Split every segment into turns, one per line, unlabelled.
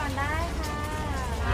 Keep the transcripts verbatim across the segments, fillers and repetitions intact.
ก่อนได้ค่ะ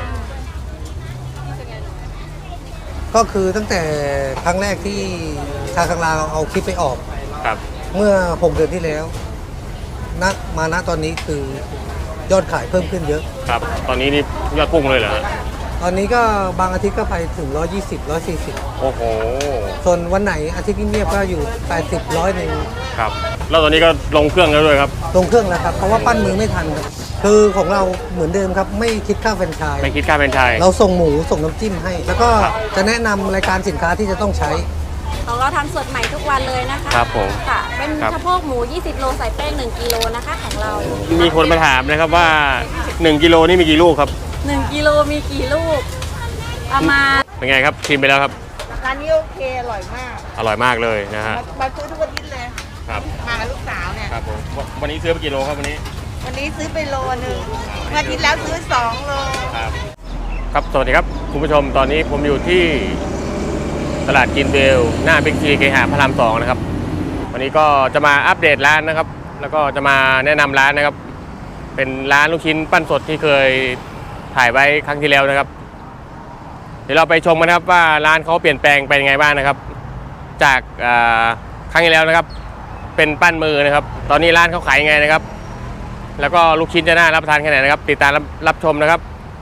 ก็คือตั้งแต่ครั้งแรกที่ชาคังลาวเอาคลิปไปออก
ครับ
เมื่อหกเดือนที่แล้วณมาณตอนนี้คือยอดขายเพิ่มขึ้นเยอะ
ครับตอนนี้นี่ยอดพุ่งเลยเหรอฮะ
ตอนนี้ก็บางอาทิตย์ก็ไปถึงหนึ่งร้อยยี่สิบ หนึ่งร้อยสี่สิบ
โอ้โห
ส่วนวันไหนอาทิตย์เงียบๆก็อยู่แปดสิบ ร้อยหนึ่ง
ครับแล้วตอนนี้ก็ลงเครื่องแล้วด้วยครับ
ลงเครื่องแล้วครับเพราะว่าปั้นมือไม่ทันครับคือของเราเหมือนเดิมครับไม่คิดค่าแฟรนไชส์
ไม่คิดค่าเป็นไทย
เราส่งหมูส่งน้ำจิ้มให้ แล้วก็
ครับ
จะแนะนำรายการสินค้าที่จะต้องใช้
ของเราทำสดใหม่ทุกวันเลยนะคะ
ครับผม
ค่ะ เป็น
ครับ
สะโพกหมู ยี่สิบ โลใส่แป้ง หนึ่ง กิโลนะคะของเรา
มีคนมาถามนะครับว่าหนึ่งกิโลนี่มีกี่ลูกครับ
หนึ่ง กิโลมีกี่ลูกประมาณ
เป็นไงครับชิมไปแล้วครับ
ร้านนี้โอเคอร่อยมาก
อร่อยมากเลยนะฮะ
มามาซื้อทุกอาทิตย์เลย
ครับ
มากับลูกสาวเนี่ย
ครับผมววันนี้ซื้อไปกี่โลครับวันนี้
วันนี้ซื้อไปโลนึงอาทิตย์แล้วซื้อสองโล
ครับครับสวัสดีครับคุณผู้ชมตอนนี้ผมอยู่ที่ตลาดกินเวลหน้าบิ๊กซีเคหะพระรามสองนะครับวันนี้ก็จะมาอัปเดตร้านนะครับ แล้วก็จะมาแนะนำร้านนะครับ เป็นร้านลูกชิ้นปั้นสดที่เคยถ่ายไว้ครั้งที่แล้วนะครับ เดี๋ยวเราไปชมกันนะครับว่าร้านเขาเปลี่ยนแปลงไปยังไงบ้างนะครับ จากครั้งที่แล้วนะครับ เป็นปั้นมือนะครับ ตอนนี้ร้านเขาขายยังไงนะครับ แล้วก็ลูกชิ้นจะน่ารับประทานแค่ไหนนะครับ ติดตามรับรับชมนะครับ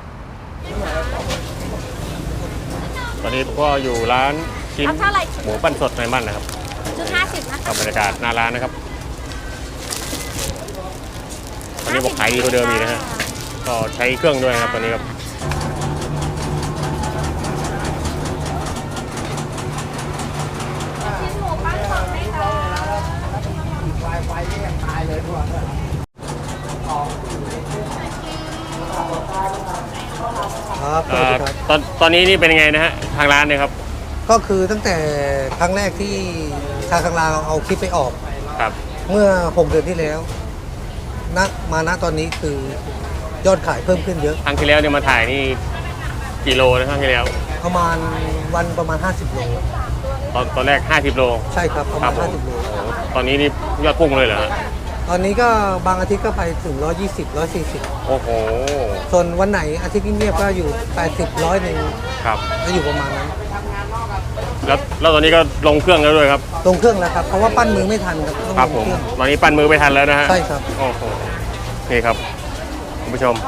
ตอนนี้ก็อยู่ร้านชิ้น
เอาเท่าไหร่
หมูปั้นสดในบ้านนะครับ
ชุดห้าสิบนะ
กั
คะ
บบรรยากาศหน้าร้านนะครับตอนนี้บอกขายดีกว่าเดิมอีกนะฮะก็ใช้เครื่องด้วยนะครับตอนนี้ครับ
ชิ้นหมูปั้นสดไหมคะ
ครับสวัสดีครับ
ตอนตอนนี้นี่เป็นยังไงนะฮะทางร้านเนี่ยครับ
ก็คือตั้งแต่ครั้งแรกที่ชาคังลาวเอาคลิปไปออก
ครับ
เมื่อหกเดือนที่แล้วณมาณตอนนี้คือยอดขายเพิ่มขึ้นเยอะ
ครั้งที่แล้วเนี่ยมาถ่ายนี่กี่โลนะครั้งที่แล้ว
ประมาณวันประมาณ ห้าสิบ โล
ตอนตอนแรกห้าสิบโล
ใช่ครับประ
ครั
มา
บ
ณ
ผม
ห้าสิบ โล
ตอนนี้นี่ยอดพุ่งเลยเหรอฮะ
ตอนนี้ก็บางอาทิตย์ก็ไปถึงหนึ่งร้อยยี่สิบ หนึ่งร้อยสี่สิบ
โอ้โห
ส่วนวันไหนอาทิตย์เงียบๆก็อยู่แปดสิบ ร้อยหนึ่ง
ครับ
ก็อยู่ประมาณนั้น
แล้วแล้วตอนนี้ก็ลงเครื่องแล้วด้วยครับ
ลงเครื่องแล้วครับเพราะว่าปั้นมือไม่ทันครับต้อง
ครับ
ล
ผ
ง
ม
เครื่อง
ตอนนี้ปั้นมือไปทันแล้วนะฮะ
ใช่ครับ
โอ้โหนี่ครับคุณผู้ชม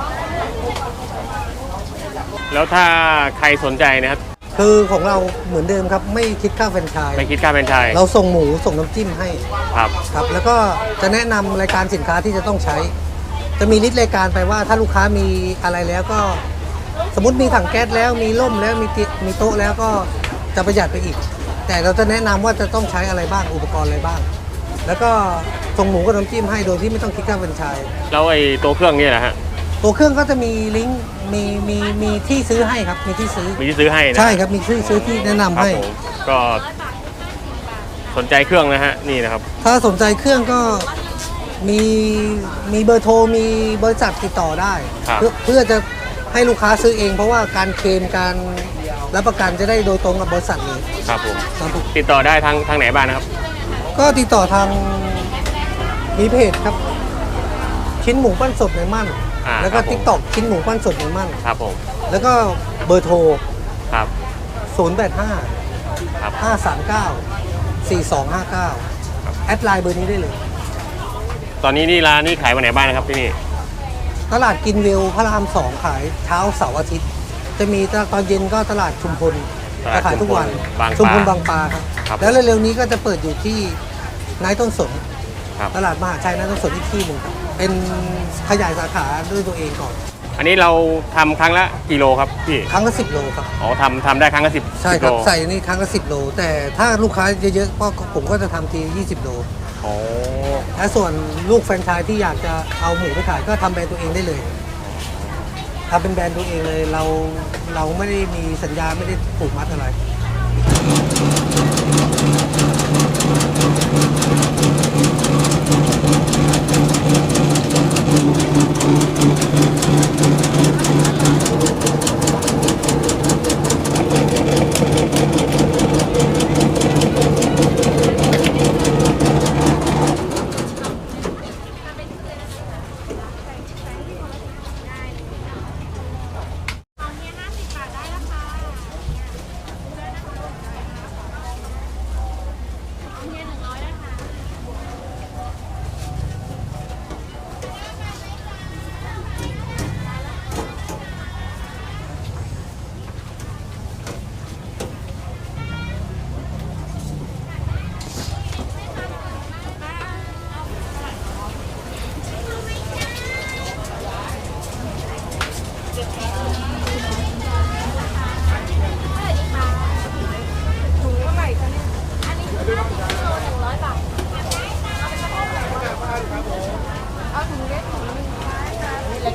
แล้วถ้าใครสนใจนะครับ
คือของเราเหมือนเดิมครับไม่คิดค่าแฟรนไชส์
ไม่คิดค่าเป็นไทย
เราส่งหมูส่งน้ำจิ้มให้
ครับ
ครับแล้วก็จะแนะนำรายการสินค้าที่จะต้องใช้ จะมีลิสต์รายการไปว่าถ้าลูกค้ามีอะไรแล้วก็ สมมติมีถังแก๊สแล้วมีร่มแล้วมีเตียมีโต๊ะแล้วก็จะประหยัดไปอีก แต่เราจะแนะนำว่าจะต้องใช้อะไรบ้างอุปกรณ์อะไรบ้าง แล้วก็ส่งหมูกับน้ำจิ้มให้โดยที่ไม่ต้องคิดค่าแฟรนไชส์
แล้วไอ้ตัวเครื่องนี่แหละฮะ
ตัวเครื่องก็จะมีลิงก์มีมีมีที่ซื้อให้ครับมีที่ซื้อ
มีที่ซื้อให้นะ
ใช่ครับมีที่ซื้อที่แนะนำ
ครับ
ให้
ผมก็สนใจเครื่องนะฮะนี่นะครับ
ถ้าสนใจเครื่องก็มีมีเบอร์โทรมีบริษัทติดต่อได้
ครับ
เพื่อเพื่อจะให้ลูกค้าซื้อเอง เพราะว่าการเคลมการรับประกันจะได้โดยตรงกับบริษัทเลย
ครับผม
ครับผม
ติดต่อได้ทางทางไหนบ้างนะครับ
ก็ติดต่อทางมีเพจครับ ชิ้นหมูปั้นสดในมั่น
อ่า
แล้วก็
ครับผม
ทิกตอกชิ้นหมูปั้นสดในมั่น
ครับผม
แล้วก็เบอร์โทร
ครับ
ศูนย์ แปด ห้า
ครับ
ห้า สาม เก้า สี่ สอง ห้า เก้า แอดไลน์เบอร์นี้ได้เลย
ตอนนี้นี่ร้านนี่ขายวันไหนบ้างนะครับที่นี่
ตลาดกินวิวพระรามสองขายเช้าเสาร์อาทิตย์ จะมีตอนเย็นก็ตลาดชุมพล
ตลาด
จะขายทุกวัน
บางปลา
ชุมพลบางปลาครับ
ครับ
แล้วเร็วๆนี้ก็จะเปิดอยู่ที่นายต้นสน
ครับ
ตลาดมหาชัยนายต้นสนอีกที่หนึ่งครับเป็นขยายสาขาด้วยตัวเองก่อน
อันนี้เราทำครั้งละกิโลครับพี่
ครั้งละสิบโลครับ
อ๋อทำทำได้ครั้งละสิบ
ใช่
สิบ
ครับ
โล
ใส่นี่ครั้งละสิบโล แต่ถ้าลูกค้าเยอะๆก็ผมก็จะทำทียี่สิบโล
อ๋อ
และส่วนลูกแฟรนไชส์ที่อยากจะเอาหมูไปขายก็ทำแบรนด์ตัวเองได้เลยทำเป็นแบรนด์ตัวเองเลยเราเราไม่ได้มีสัญญาไม่ได้ผูกมัดอะไร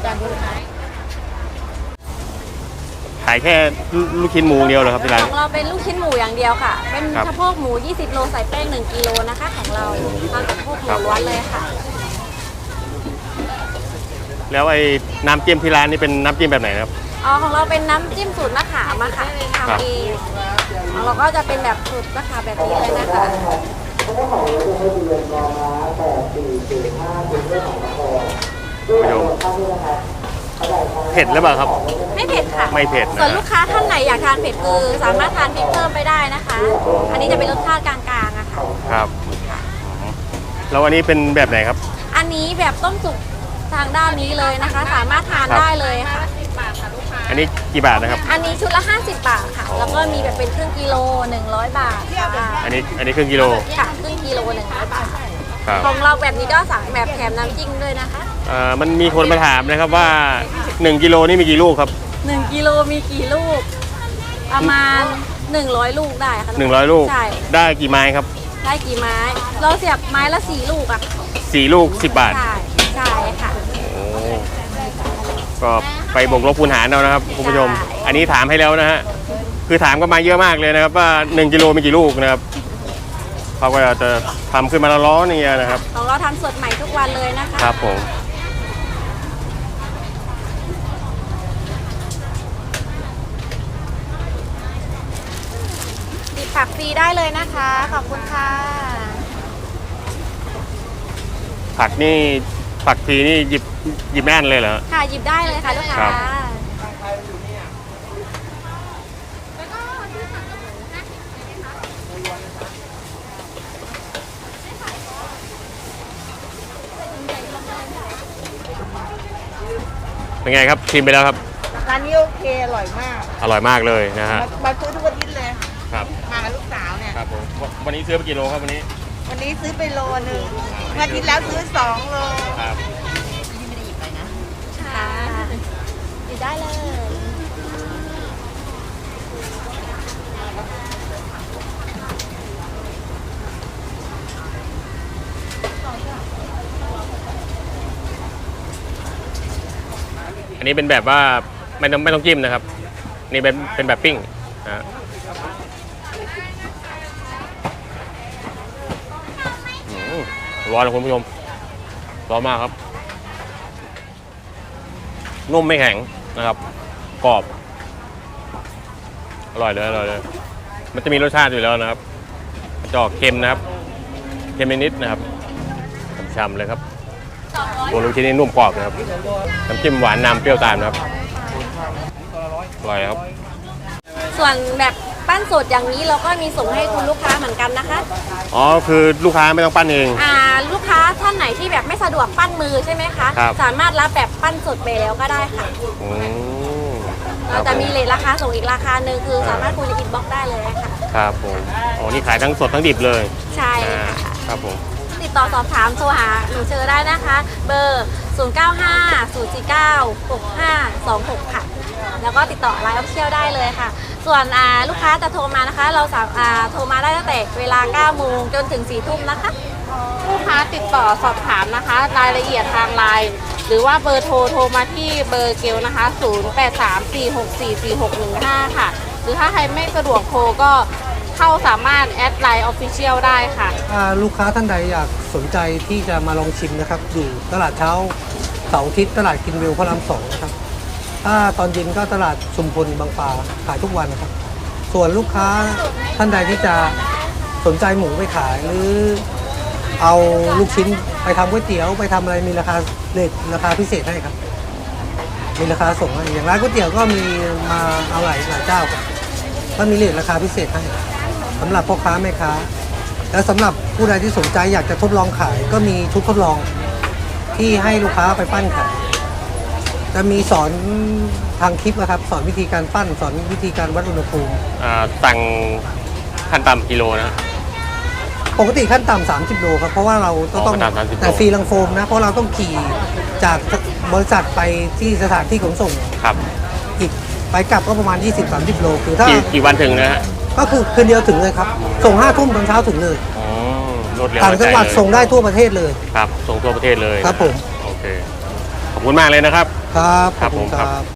ขายแค่ลูกชิ้นหมูเดียวเหรอครับที่ร้าน
ของเราเป็นลูกชิ้นหมูอย่างเดียวค่ะ เป็น
ครับ
สะโพกหมู ยี่สิบ โลใส่แป้ง หนึ่ง กิโลนะคะของเราทำสะโพกหมูล้วนเลยค่ะ
แล้วไอ้น้ำจิ้มที่ร้านนี่เป็นน้ำจิ้มแบบไหนนะครับ
อ๋อของเราเป็นน้ำจิ้มสูตรมะขามอะค่ะ
ครับ
ทำเองของเราก็จะเป็นแบบสูตรมะขามแบบนี้เลยนะคะ
คุณผู้ชมเผ็ดหรือเปล่าครับ
ไม่เผ็ดค่ะ
ไม่เผ็ดนะ
ส่วนลูกค้าท่านไหนอยากทานเผ็ดคือสามารถทานพริกเพิ่มไปได้นะคะ อันนี้จะเป็นรสชาติกลางๆอะค่ะ
ครับแล้วอันนี้เป็นแบบไหนครับ
อันนี้แบบต้มสุกทางด้านนี้เลยนะคะ สามารถทาน
ครับ
ได้เลยค่ะ
อันนี้กี่บาทนะครับ
อันนี้ชุดละ ห้าสิบ บาทค่ะ แล้วก็มีแบบเป็นครึ่งกิโล หนึ่งร้อย บาทค่ะ
อันนี้อันนี้ครึ่งกิโล
ค่ะครึ่งกิโลหนึ่งร้อยบาท
ครับ
ของเราแบบนี้ก็สั่งแบบแถมน้ำจิ้มด้วยนะคะ
เอ่อมันมีคนมาถามนะครับว่าหนึ่งกิโลนี่มีกี่ลูกครับ
หนึ่งกิโลมีกี่ลูก ประมาณหนึ่งร้อยลูกได้ค่ะ
หนึ่งร้อยลูก
ใช่
ได้กี่ไม้ครับ
ได้กี่ไม้ เราเสียบไม้ละสี่ลูกอะ
สี่ลูกสิบบาท
ใช่ใช่ค่ะ
โอ้ก็ไปบวกลบคูณหารเอานะครับคุณผู้ชม
ใช่
อันนี้ถามให้แล้วนะฮะคือถามก็มาเยอะมากเลยนะครับว่าหนึ่งกิโลมีกี่ลูกนะครับเขาก็จะทำขึ้นมาละร้อนอย่างเงี้ยนะครับ
ของเราทำสดใหม่ทุกวันเลยนะคะ
ครับผม
ติดผักฟรีได้เลยนะคะ ขอบคุณค่ะ
ผักนี่ผักทีนี่หยิบหยิบแน่นเลยเหรอ
ค่ะหยิบได้เลยค่ะลูกค้า
ครับ เป็นไงครับชิมไปแล้วครับ
ร้านนี้โอเคอร่อยมาก
อร่อยมากเลยนะฮะ
มามาซื้อทุกอาทิตย์เลย
ครับ
มากับลูกสาวเนี่ย
ครับผมวันนี้ซื้อไปกี่โลครับวันนี้
วันนี้ซื้อไปโลนึงอาทิตย์แล้วซื้อสองโล
ครับ
ค่ะหยิบได้เลย
อันนี้เป็นแบบว่าไม่ต้องไม่ต้องจิ้มนะครับ นี่เป็นเป็นแบบปิ้งนะฮะอืมร้อนนะคุณผู้ชมร้อนมากครับ นุ่มไม่แข็งนะครับ กรอบ อร่อยเลยอร่อยเลย มันจะมีรสชาติอยู่แล้วนะครับจะออกเค็มนะครับ เค็มนิดๆนะครับช่ำๆเลยครับตัวลูกชิ้นนี่นุ่มกรอบนะครับน้ำจิ้มหวานนำเปรี้ยวตามนะครับอร่อยครับ
ส่วนแบบปั้นสดอย่างนี้เราก็มีส่งให้คุณลูกค้าเหมือนกันนะคะ
อ๋อคือลูกค้าไม่ต้องปั้นเอง
อ่าลูกค้าท่านไหนที่แบบไม่สะดวกปั้นมือใช่ไหมคะ
ครับ
สามารถรับแบบปั้นสดไปแล้วก็ได้ค่ะ
อืม
เราจะมีเลทราคาส่งอีกราคาหนึ่งคือสามารถคุยในอินบ็อกซ์ได้เลยค่ะ
ครับผมอ๋อนี่ขายทั้งสดทั้งดิบเลย
ใช่
อ่า
ค่ะ
ครับผม
ติดต่อสอบถามโทรหาหนูเจอได้นะคะ เบอร์ ศูนย์ เก้า ห้า ศูนย์ สี่ เก้า หก ห้า สอง หก ค่ะ แล้วก็ติดต่อไลน์ออฟเชียลได้เลยค่ะ ส่วนอ่าลูกค้าจะโทรมานะคะ เราสามารถโทรมาได้ตั้งแต่เวลา เก้า โมงจนถึง สี่ ทุ่มนะคะ
ลูกค้าติดต่อสอบถามนะคะ รายละเอียดทางไลน์หรือว่าเบอร์โทรโทรมาที่เบอร์เกลนะคะ ศูนย์ แปด สาม สี่ หก สี่ สี่ หก หนึ่ง ห้า ค่ะ หรือถ้าใครไม่สะดวกโทรก็เข้าสามารถแอดไลน์ออฟฟิเชียลได้ค่ะ
ถ้าลูกค้าท่านใดอยากสนใจที่จะมาลองชิมนะครับ อยู่ตลาดเช้าเสาร์อาทิตย์ตลาดกินวิวพระรามสองนะครับ ถ้าตอนเย็นก็ตลาดชุมพลบางปลาขายทุกวันนะครับ ส่วนลูกค้าท่านใดที่จะสนใจหมูไปขาย หรือเอาลูกชิ้นไปทำก๋วยเตี๋ยวไปทำอะไรมีราคาเลทราคาพิเศษให้ครับ มีราคาส่งให้อย่างร้านก๋วยเตี๋ยวก็มีมาเอาหลายหลายเจ้าครับก็มีเลทราคาพิเศษให้สำหรับพ่อค้าแม่ค้า และสำหรับผู้ใดที่สนใจอยากจะทดลองขาย ก็มีชุดทดลองที่ให้ลูกค้าไปปั้นขายจะมีสอนทางคลิปนะครับ สอนวิธีการปั้นสอนวิธีการวัดอุณหภูมิ
อ่าสั่งขั้นต่ำกิโลนะ
ปกติขั้นต่ำสามสิบโลครับเพราะว่าเราก็ต้อง
อ๋อขั้นต่ำสามสิบโล
แต่ฟรีลังโฟมนะเพราะเราต้องขี่จากบริษัทไปที่สถานที่ขนส่ง
ครับ
อีกไปกลับก็ประมาณ ยี่สิบถึงสามสิบ โลคือถ้า
กี่กี่วันถึงนะฮะ
ก็คือคืนเดียวถึงเลยครับ ส่งห้าทุ่มตอนเช้าถึงเลย
อ๋อรวดเร็ว
ต่างจังหวัด
เลย
ส่งได้ทั่วประเทศเลย
ครับส่งทั่วประเทศเลย
ครับผม
โอเคขอบคุณมากเลยนะครับ
ครับ
ครับ
ขอณ
ผมครับ
ครับ